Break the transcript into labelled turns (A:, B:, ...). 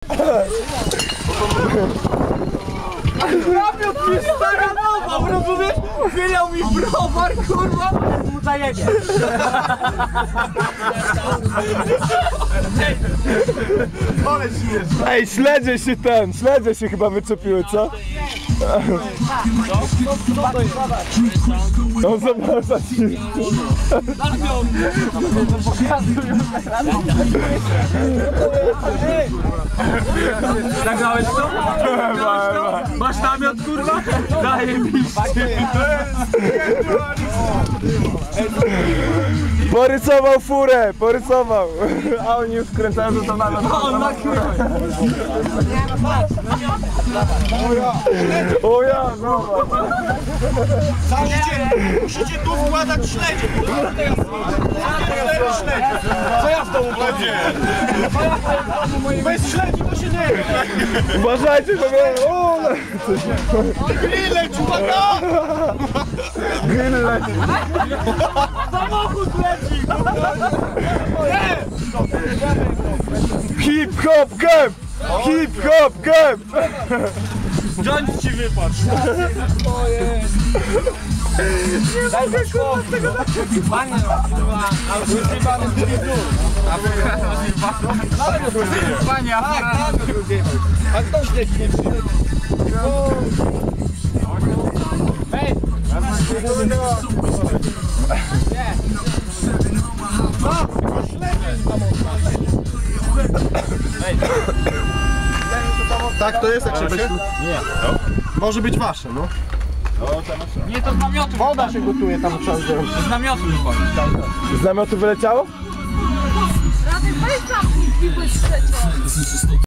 A: Namiot mi staranował, rozumiesz? Chwilał mi browar, kurwa, mu zajebie.
B: Ej, śledzie się chyba wyczepiły, co? No zobacz.
A: Zagrałeś to? Masz namiot, kurwa? Daję mi.
B: Porysował furę, porysował. A oni już wkręcają do namiot.
A: On na kurwa.
B: O ja, no.
C: Musicie tu wkładać śledzie. Co ja w domu będzie? Bez śledzi to się nie wie.
B: Uważajcie, bo mnie...
C: Grill leci, uwaga!
B: Grill leci.
A: Samochód leci!
B: Hip hop camp! Hip hop camp!
C: Joint ci wypadł.
A: Daj mi kurwa z tego panie, a wyzywany z drugiej dół. Panie, a kto śledzi nie przyjdzie? Hej!
C: Tak to jest, jak się weź. Nie. Może być wasze, no.
A: Nie, to z namiotu.
C: Woda się gotuje tam czas.
A: Z namiotu wychodzi.
B: Z namiotu wyleciało?
D: Radek, weź tam i błyszczecie.